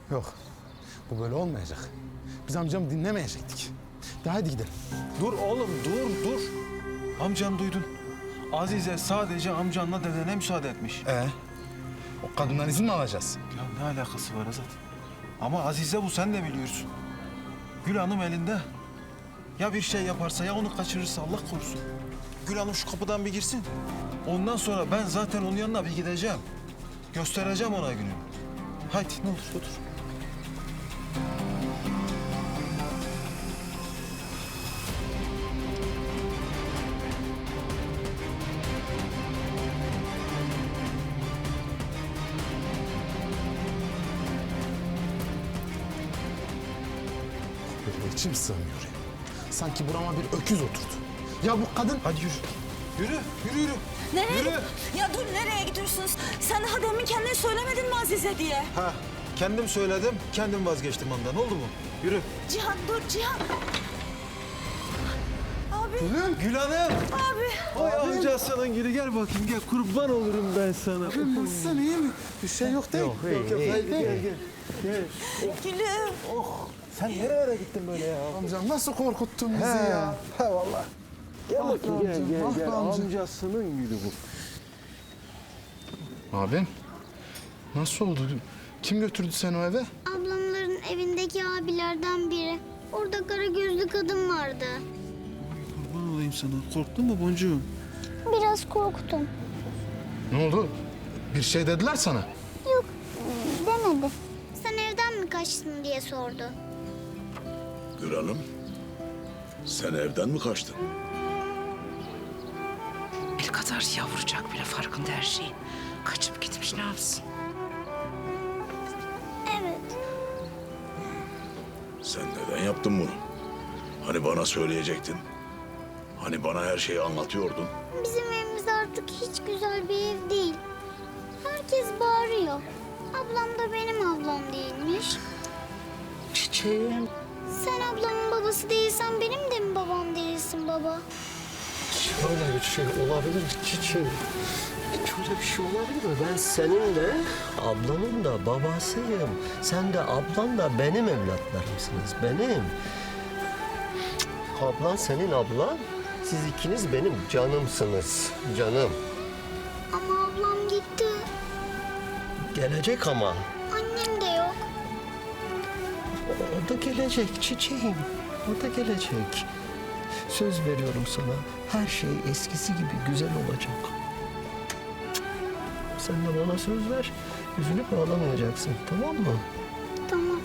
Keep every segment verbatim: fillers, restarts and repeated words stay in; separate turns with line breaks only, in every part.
Yok. Bu böyle olmayacak. Biz amcamı dinlemeyecektik. De hadi gidelim.
Dur oğlum, dur, dur. Amcam duydun. Azize sadece amcanla dedene müsaade etmiş.
Ee, o kadından izin mi alacağız?
Ya ne alakası var Azat? Ama Azize bu, sen de biliyorsun. Gül Hanım elinde. Ya bir şey yaparsa, ya onu kaçırırsa Allah korusun. Gül Hanım şu kapıdan bir girsin. Ondan sonra ben zaten onun yanına bir gideceğim. Göstereceğim ona gününü. Haydi ne olur otur.
Böyle içim sığmıyor ya. Sanki burama bir öküz oturdu. Ya bu kadın...
Hadi yürü. Yürü, yürü, yürü.
Nereye?
Yürü.
Ya dur, nereye gidiyorsunuz? Sen daha demin kendin söylemedin mi Azize diye?
Ha, kendim söyledim, kendim vazgeçtim ondan. Oldu mu? Yürü.
Cihan dur Cihan. Abi.
Gülüm. Gül Hanım.
Abi.
Ay amcasının gülü, gel bakayım, gel. Kurban olurum ben sana.
Nasılsın, iyi mi? Bir şey yok değil mi?
Yok yok, haydi gel, gel. Gel.
Gülüm.
Sen nerelere gittin böyle ya?
Amcam nasıl korkuttun bizi ya?
He vallahi. Gel
Ah
bakayım,
be
gel,
amcam,
gel,
ah be
gel.
amcam.
Amcasının gülü bu.
Abim, nasıl oldu? Kim götürdü seni o eve?
Ablamların evindeki abilerden biri. Orada kara gözlü kadın vardı.
Kurban olayım sana. Korktun mu boncuğum?
Biraz korktum.
Ne oldu? Bir şey dediler sana.
Yok, demedi. Sen evden mi kaçtın diye sordu.
Gül Hanım, sen evden mi kaçtın?
El kadar yavrucak bile farkında her şeyin. Kaçıp gitmiş, ne yapsın?
Evet.
Sen neden yaptın bunu? Hani bana söyleyecektin? Hani bana her şeyi anlatıyordun?
Bizim evimiz artık hiç güzel bir ev değil. Herkes bağırıyor. Ablam da benim ablam değilmiş.
Çiçeğim.
Sen ablamın babası değilsen benim de mi babam değilsin baba?
Öyle bir şey olabilir mi çiçeğim? Hiç öyle bir şey olabilir mi? Ben senin de ablanın da babasıyım. Sen de ablan da benim evlatlarımsınız. Benim. Ablan senin ablan. Siz ikiniz benim canımsınız. Canım.
Ama ablam gitti.
Gelecek ama.
Annem de yok.
O da gelecek çiçeğim. O da gelecek. Söz veriyorum sana. Her şey eskisi gibi güzel olacak. Sen de bana söz ver. Üzülüp ağlamayacaksın. Tamam mı?
Tamam.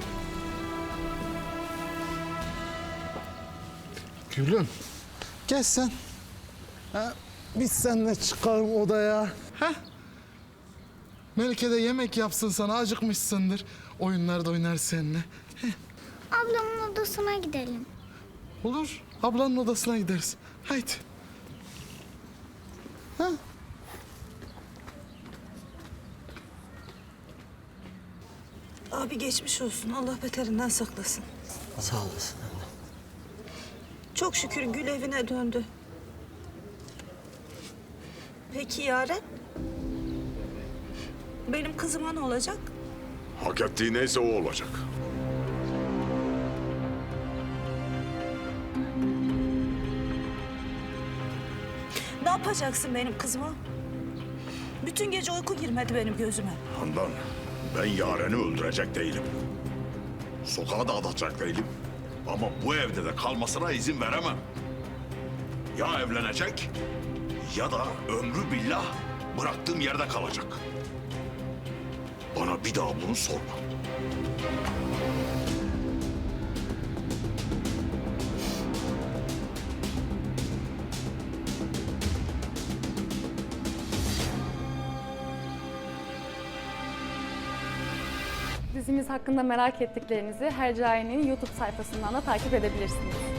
Gülüm, gel sen. Ha, biz seninle çıkalım odaya. Ha? Melike de yemek yapsın sana, acıkmışsındır. Oyunlar da oynar seninle.
Ablamın odasına gidelim.
Olur, ablanın odasına gideriz. Haydi. Ha?
Abi geçmiş olsun. Allah beterinden saklasın.
Sağ olasın anne.
Çok şükür Gül evine döndü. Peki Yaren? Benim kızıma ne olacak?
Hak ettiği neyse o olacak.
Ne yapacaksın benim kızıma? Bütün gece uyku girmedi benim gözüme.
Handan, ben Yaren'i öldürecek değilim. Sokağa da atacak değilim. Ama bu evde de kalmasına izin veremem. Ya evlenecek ya da ömrü billah bıraktığım yerde kalacak. Bana bir daha bunu sorma.
Dizimiz hakkında merak ettiklerinizi Hercai'nin YouTube sayfasından da takip edebilirsiniz.